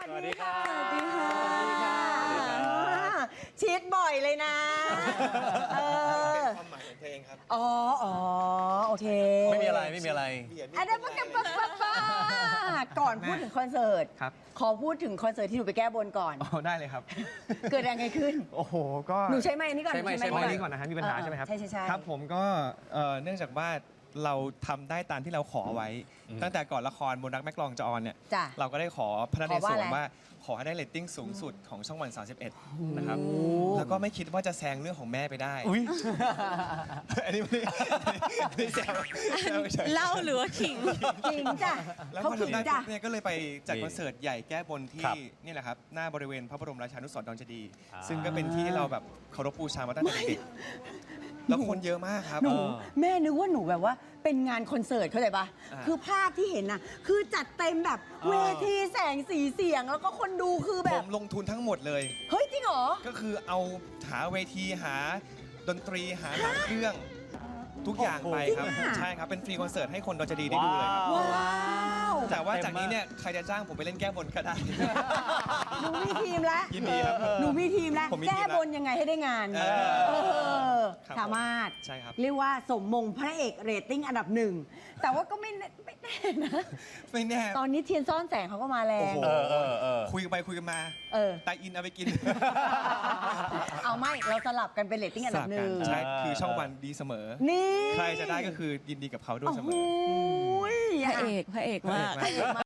สวัสดีค่ะสวัสดีค่ะสวัสดีค่ะชีดบ่อยเลยนะเออความหมายของเพลงครับอ๋อโอเคไม่มีอะไรไม่มีอะไรอันนั้นปะก่อนพูดถึงคอนเสิร์ตครับขอพูดถึงคอนเสิร์ตที่หนูไปแก้บนก่อนอ๋อได้เลยครับเกิดอะไรขึ้นโอ้โห ก็หนูใช้ไม้นี้ก่อนใช้ไมค์หใช้นูไมค์ไม้นี้ก่อนนะฮะมีปัญหาใช่ไหมครับใช่ครับผมก็เนื่องจากว่าเราทำได้ตามที่เราขอไว้ ตั้งแต่ก่อนละครบนรักแม่กลองจะออนเนี่ยจ้ะเราก็ได้ขอพระนเรศขอว่าวอะรไรว่าขอให้ได้เรตติ้งสูงสุดของช่องวัน 31 นะครับ แล้วก็ไม่คิดว่าจะแซงเรื่องของแม่ไปได้อุ้ยอันนี้ไม่แซวเฉยเล่าหรือว่าขิงจริงจ้ะแล้วเขาพอขิงทำได้จ้ะปุ๊บเนี่ยก็เลยไปจัดนี่คอนเสิร์ตใหญ่แก้บนที่ครับนี่แหละครับหน้าบริเวณพระบรมราชานุสรณ์ดอนเจดีย์อ่าซึ่งก็เป็นที่ที่เราแบบเคารพบูชามาตั้งแต่เด็กแล้วคนเยอะมากครับหนูแม่นึกว่าหนูแบบว่าเป็นงานคอนเสิร์ตเข้าใจปะอ่าคือภาพที่เห็นน่ะคือจัดเต็มแบบเวทีแสงสีเสียงแล้วก็คนดูคือแบผบมลงทุนทั้งหมดเลยเฮ้ยจริงเหรอก็คือเอาหาเวทีหาดนตรีหาหางเครื่อง ทุกอย่างไปครับจริงอะใช่ครับ เป็นฟรีคอนเสิร์ตให้คนดอนเจดีย์ได้ดูเลยครับว้าวแต่ว่าจากนี้เนี่ยใครจะจ้างผมไปเล่นแก้บนก็ได้หนูมีทีมแล้วยินดีครับหนูมีทีมแล้วผมมีทีมแก้แล้วบนยังไงให้ได้งานเออ ครับสามารถใช่ครับเรียกว่าสมมงพระเอกเรตติ้งอันดับหนึ่ง แต่ว่าก็ไม่แน่นะไม่แน่ตอนนี้เทียนซ่อนแสงเขาก็มาแรโอ้งโหเออคุยกันไปคุยกันมาเออไตอินเอาไปกินเอาไม่ เราสลับกันเป็นเรตติ้งอันดับหนึ่งใช่คือช่องวันดีเสมอนี่ใครจะได้ก็คือยินดีกับเขาด้วยเสมอโอ้โหพระเอกมากพระเอกมาก